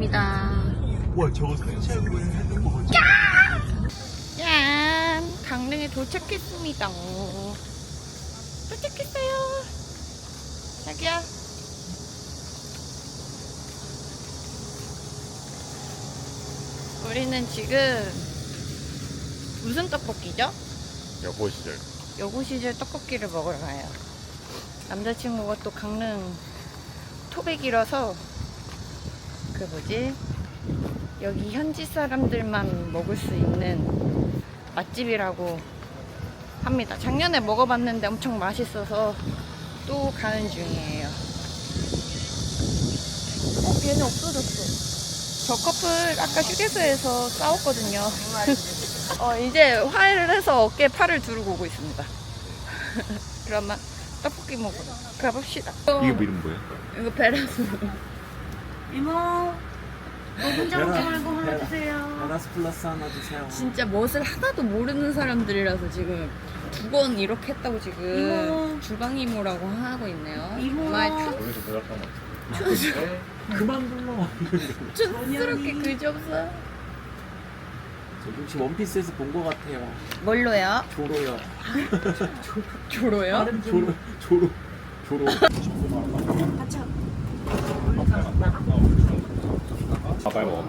왔습니다. 와 저거 설치하고 했던 거 보지? 짠! 강릉에 도착했습니다. 도착했어요. 자기야. 우리는 지금 무슨 떡볶이죠? 여보 시절. 여고 시절 떡볶이를 먹으러 가요. 남자친구가 또 강릉 토백이라서 그 뭐지? 여기 현지 사람들만 먹을 수 있는 맛집이라고 합니다. 작년에 먹어봤는데 엄청 맛있어서 또 가는 중이에요. 얘는 없어졌어. 저 커플 아까 휴게소에서 싸웠거든요. 이제 화해를 해서 어깨에 팔을 두르고 오고 있습니다. 그러면 떡볶이 먹으러 가봅시다. 이게 이름 뭐야? 이거 베라스. 이모, 혼자 먹지 말고 하나 주세요. 베라스 플러스 하나 주세요. 진짜 멋을 하나도 모르는 사람들이라서 지금 두 번 이렇게 했다고 지금 이모. 주방 이모라고 하고 있네요. 이모. 정말 거기서 대답한 거. 그만 불러. 촌스럽게 그지없어. 저 혹시 원피스에서 본 것 같아요. 뭘로요? 조로요. 조로요? 조로. 빨리 먹어.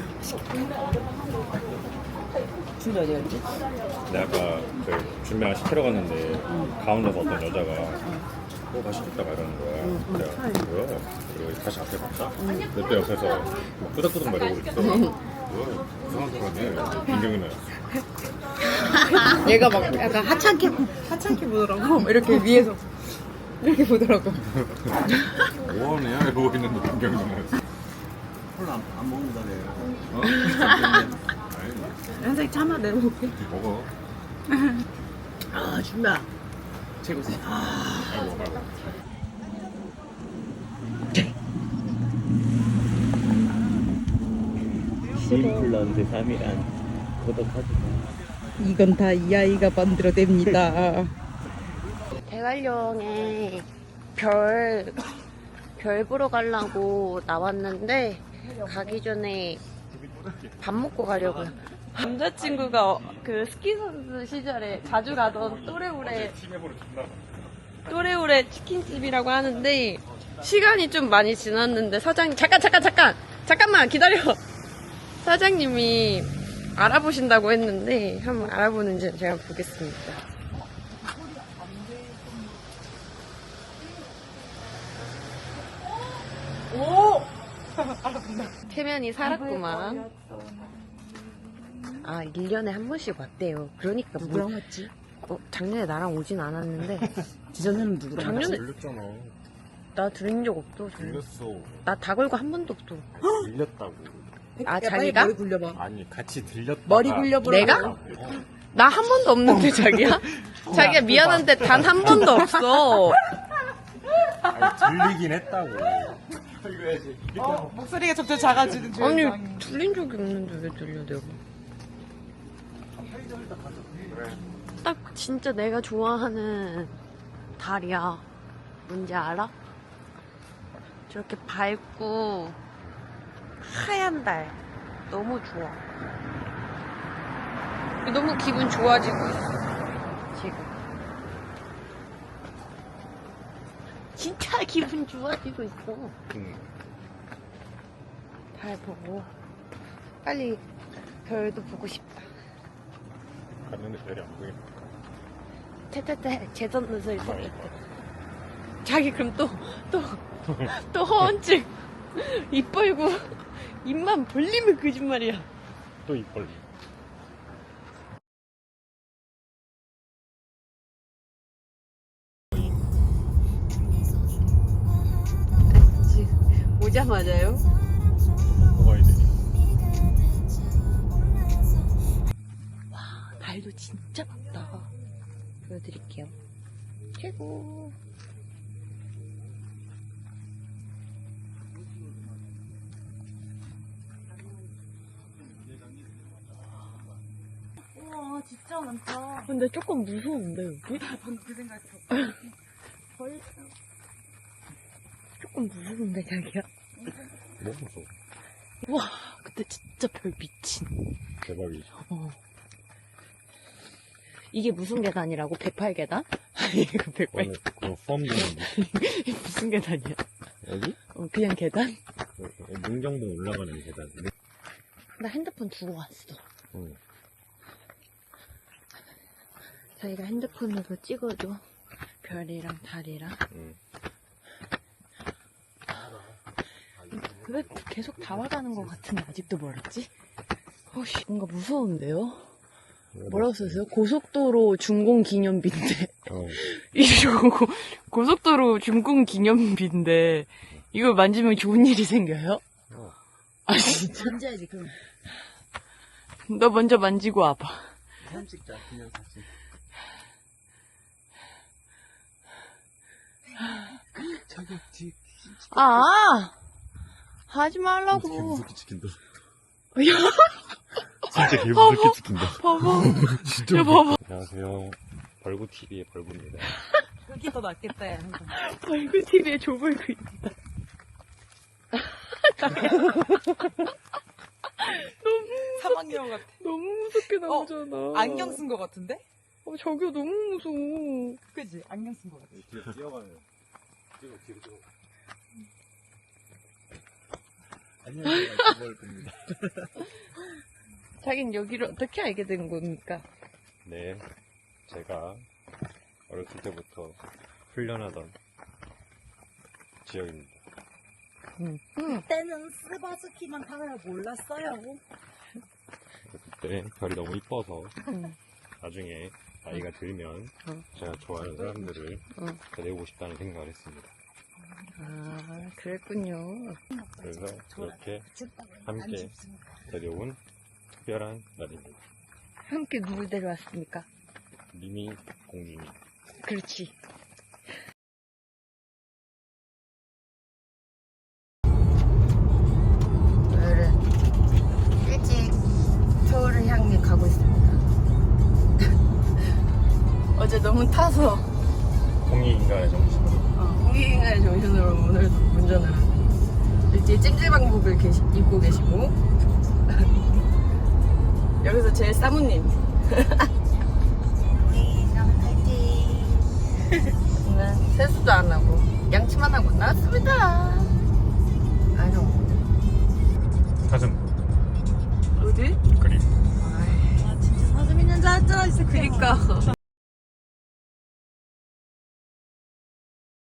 준비 어디 갔지? 내가 아까 그 준비랑 시키러 갔는데 가운데서 어떤 여자가 맛있겠다 막 이러는 거야. 내가 뭐야? 그리고 다시 앞에 봤다. 근데 또 옆에서 끄덕끄덕 말하고 있어. 뭐야? 이상한 사람이 민경이 나였어. 얘가 막 약간 하찮게 보더라고. 이렇게 위에서 이렇게 보더라고. 뭐하냐 이러고 있는데 민경이 나였어. 콜라 안 먹는다 내가. 어? 아니 현석이 참아 내려볼게. 먹어. 아, 준비야. 최고지. 아이고. 인플런트 3일안 구독하지 마. 이건 다 이 아이가 만들어냅니다. 대관령에 별 보러 가려고 나왔는데 가기 전에 밥 먹고 가려고요. 남자친구가 그 스키 선수 시절에 자주 가던 또레오레 치킨집이라고 하는데 시간이 좀 많이 지났는데 사장님 잠깐만 기다려. 사장님이 알아보신다고 했는데 한번 알아보는지 제가 보겠습니다. 오! 태면이 살았구만. 아, 1년에 한 번씩 왔대요. 그러니까 누구랑 왔지? 작년에 나랑 오진 않았는데 지전에는 누구랑 작년에 들렸잖아. 나 들은 적 없어. 들렸어. 나 다 걸고 한 번도 없어. 들렸다고. 아, 야, 자기가? 머리 굴려봐. 아니 같이 들렸다. 머리 굴려보라. 내가? 나 한 번도 없는데 자기야? 자기야 미안한데 단 한 번도 없어. 아니 들리긴 했다고. 목소리가 점점 작아지는 아니 들린 적이 없는데 왜 들려 내가? 딱 진짜 내가 좋아하는 달이야. 뭔지 알아? 저렇게 밝고 하얀 달 너무 좋아. 너무 기분 좋아지고 있어 지금. 진짜 기분 좋아지고 있어. 달 보고 빨리 별도 보고 싶다. 갔는데 별이 안 보이네. 테테테 재선 눈썹이 섞였대. 자기 그럼 또 허언증 입 벌고 입만 벌리면 거짓말이야. 또 입 벌리. 오자마자요? 뭐가 되니? 와 달도 진짜 많다. 보여드릴게요. 최고. 우와, 진짜 많다. 근데 조금 무서운데 여기? 방금 그 생각했어. 조금 무서운데 자기야? 너무 무서워. 와, 근데 진짜 별 미친. 대박이지. 이게 무슨 계단이라고? 108계단? 이거 108. 그거 포함되는 무슨 계단이야? 여기? 그냥 계단? 문경동 올라가는 계단. 나 핸드폰 두고 왔어. 응. 자기가 핸드폰으로 찍어줘. 별이랑 달이랑. 응. 왜 계속 다 와가는 것 같은데 아직도 멀었지? 어씨, 뭔가 무서운데요? 뭐라고 써있어요? 고속도로 준공 기념비인데. 이거 고속도로 준공 기념비인데 이걸 만지면 좋은 일이 생겨요? 아 진짜? 만져야지 그럼. 너 먼저 만지고 와봐. 사진 찍자, 그냥 사진. 저기 뒤 아! 하지 말라고. 무섭게 찍힌다. 야, 진짜 개 무섭게 찍힌다. 봐봐. 진짜 야, 봐봐. 안녕하세요. 벌구TV의 벌구입니다. 그게 더 낫겠다. 야. 얼굴 TV에 조벌고 있다. 사막여우 같아. 너무 무섭게 나오잖아. 안경 쓴 거 같은데? 저기요, 너무 무서워. 그지? 안경 쓴 거 같아. 뒤로 뛰어가네요. 뒤로 뛰어. 안녕하세요. 그걸 봅니다. 자긴 여기를 어떻게 알게 된 겁니까? 네, 제가 어렸을 때부터 훈련하던 지역입니다. 그때는 스바스키만 타면 몰랐어요. 그때 별이 너무 이뻐서 응. 나중에 나이가 들면 응. 제가 좋아하는 사람들을 응. 데리고 싶다는 생각을 했습니다. 아, 그랬군요. 그래서 이렇게 함께 데려온 특별한 날입니다. 함께 누굴 데려왔습니까? 미미 공주님. 그렇지. 오늘은 일찍 서울을 향해 가고 있습니다. 어제 너무 타서 공익인간의 정신. 공익인간의 정신으로 오늘 운전을 하고 일찍 찜질방복을 입고 계시고 여기서 제일 사모님 저는 세수도 안 하고 양치만 하고 나왔습니다. 아니요. 사슴 어디? 그림. 아 진짜 사슴 있는 줄 알았잖아. 진짜 그니까